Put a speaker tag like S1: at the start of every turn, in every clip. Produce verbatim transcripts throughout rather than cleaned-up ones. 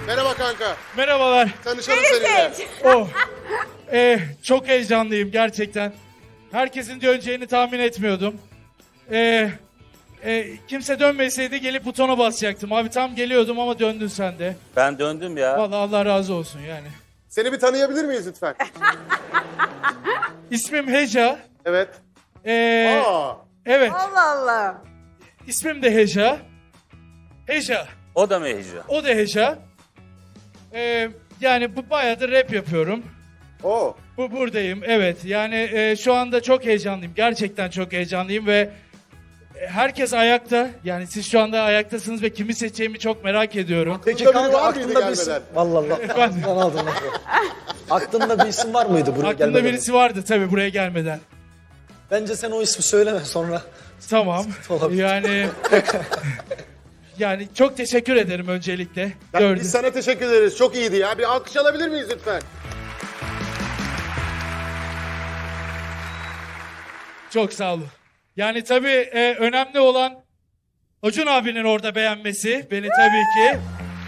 S1: Merhaba kanka.
S2: Merhabalar.
S1: Tanışalım seninle.
S2: Oh. Ee, çok heyecanlıyım gerçekten. Herkesin döneceğini tahmin etmiyordum. Ee, e, kimse dönmeseydi gelip butona basacaktım. Abi tam geliyordum ama döndün sen de.
S3: Ben döndüm ya.
S2: Vallahi Allah razı olsun yani.
S1: Seni bir tanıyabilir miyiz lütfen?
S2: İsmim Heja.
S1: Evet.
S2: Ee,
S1: Aa.
S2: evet.
S4: Allah Allah.
S2: İsmim de Heja. Heja.
S3: O da mı Hicra?
S2: O da Heja. Ee, yani bu bayağıdır rap yapıyorum.
S1: Oo.
S2: Bu buradayım evet yani e, şu anda çok heyecanlıyım gerçekten çok heyecanlıyım ve e, herkes ayakta yani siz şu anda ayaktasınız ve kimi seçeceğimi çok merak ediyorum.
S1: Peki
S5: Aklında biri
S1: kanka
S5: var mıydı
S1: aklında bir
S5: isim?
S1: gelmeden?
S5: Vallahi Allah.
S2: Efendim?
S5: Aklından aldın lafı. Aklında bir isim var mıydı buraya
S2: Aklımda
S5: gelmeden?
S2: birisi vardı tabii buraya gelmeden.
S5: Bence sen o ismi söyleme sonra.
S2: Tamam
S5: Olabilir.
S2: yani yani çok teşekkür ederim öncelikle.
S1: Ya
S2: Gördüm.
S1: Biz sana teşekkür ederiz. Çok iyiydi ya. Bir alkış alabilir miyiz lütfen?
S2: Çok sağ olun. Yani tabii e, önemli olan Acun abinin orada beğenmesi beni tabii ki.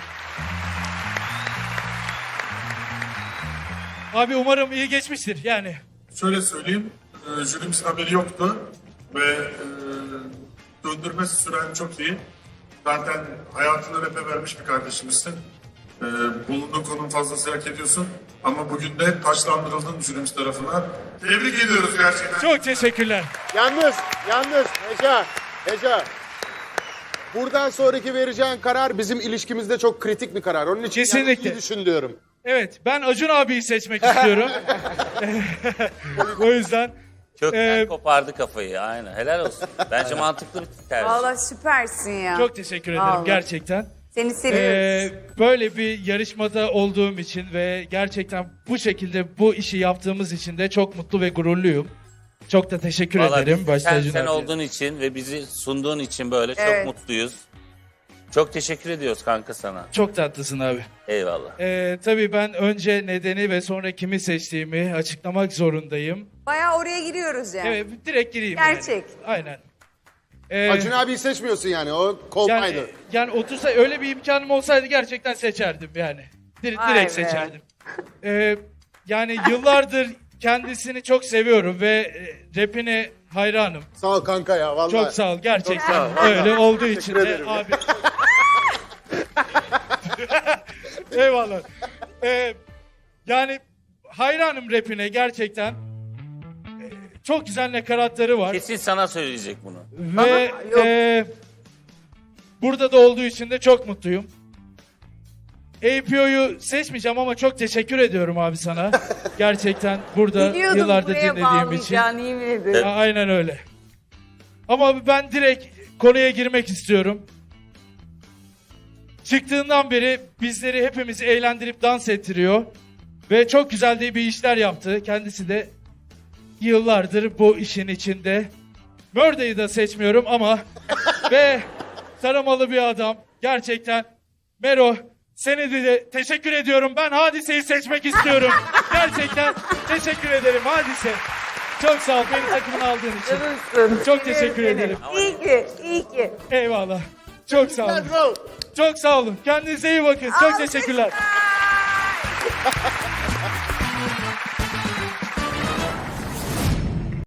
S2: Abi umarım iyi geçmiştir yani.
S6: Şöyle söyleyeyim, e, jürimizin haberi yoktu ve e, döndürme süren çok iyi. Zaten hayatını rap'e vermiş bir kardeşimizsin. E, bulunduğun konum fazlası hak ediyorsun. Ama bugün de taşlandırıldın jürimiz tarafından. Tebrik ediyoruz gerçekten.
S2: Çok teşekkürler.
S1: Yalnız, yalnız Heca, Heca. Buradan sonraki vereceğin karar bizim ilişkimizde çok kritik bir karar. Onun için
S2: Kesinlikle.
S1: yani iyi düşün diyorum.
S2: Evet ben Acun abiyi seçmek istiyorum. O yüzden
S3: Kökten
S2: Ee,
S3: kopardı kafayı aynen. Helal olsun. Bence mantıklı bir tercih.
S4: Vallahi süpersin ya.
S2: çok teşekkür ederim
S4: Vallahi.
S2: gerçekten.
S4: Seni seviyoruz.
S2: Ee, böyle bir yarışmada olduğum için ve gerçekten bu şekilde bu işi yaptığımız için de çok mutlu ve gururluyum. Çok da teşekkür
S3: Vallahi
S2: ederim
S3: biz
S2: başta
S3: sen,
S2: Acun
S3: sen
S2: abi.
S3: olduğun için ve bizi sunduğun için böyle
S4: Evet.
S3: çok mutluyuz. Çok teşekkür ediyoruz kanka sana.
S2: Çok tatlısın abi.
S3: Eyvallah.
S2: Ee, tabii ben önce nedeni ve sonra kimi seçtiğimi açıklamak zorundayım.
S4: Bayağı oraya giriyoruz yani.
S2: Evet direkt gireyim.
S4: Gerçek.
S2: Yani. Aynen. Ee,
S1: Acun abiyi seçmiyorsun yani. O kolpaydı.
S2: yani, yani otursa öyle bir imkanım olsaydı gerçekten seçerdim yani. Dir-
S4: Vay
S2: direkt
S4: be.
S2: seçerdim. Ee, yani yıllardır kendisini çok seviyorum ve e, rapine hayranım.
S1: Sağ ol kanka ya vallahi.
S2: Çok sağ ol gerçekten.
S1: Çok sağ ol, vallahi.
S2: Öyle olduğu için de
S1: ederim.
S2: abi. Eyvallah. Ee, yani hayranım rapine gerçekten. Ee, çok güzel nakaratları var.
S3: Kesin sana söyleyecek bunu.
S2: Ve
S4: yok.
S2: e, burada da olduğu için de çok mutluyum. A P O'yu seçmeyeceğim ama çok teşekkür ediyorum abi sana. Gerçekten burada
S4: Biliyordum
S2: yıllardır
S4: buraya
S2: dinlediğim için.
S4: bağlayacağını, yemin ederim.
S2: A- Aynen öyle. Ama ben direkt konuya girmek istiyorum. Çıktığından beri bizleri hepimizi eğlendirip dans ettiriyor. Ve çok güzel de bir işler yaptı. Kendisi de yıllardır bu işin içinde. Murder'ı da seçmiyorum ama ve taramalı bir adam. Gerçekten Mero seni de teşekkür ediyorum. Ben Hadise'yi seçmek istiyorum. Gerçekten teşekkür ederim Hadise. Çok sağ ol beni takımına aldığın için.
S4: Canımsın.
S2: Çok teşekkür
S4: Seviyorum
S2: ederim.
S4: seni. İyi ki, iyi ki.
S2: Eyvallah. Çok sağ olun.
S1: Let's go.
S2: Çok sağ olun. Kendinize iyi bakın. Çok teşekkürler.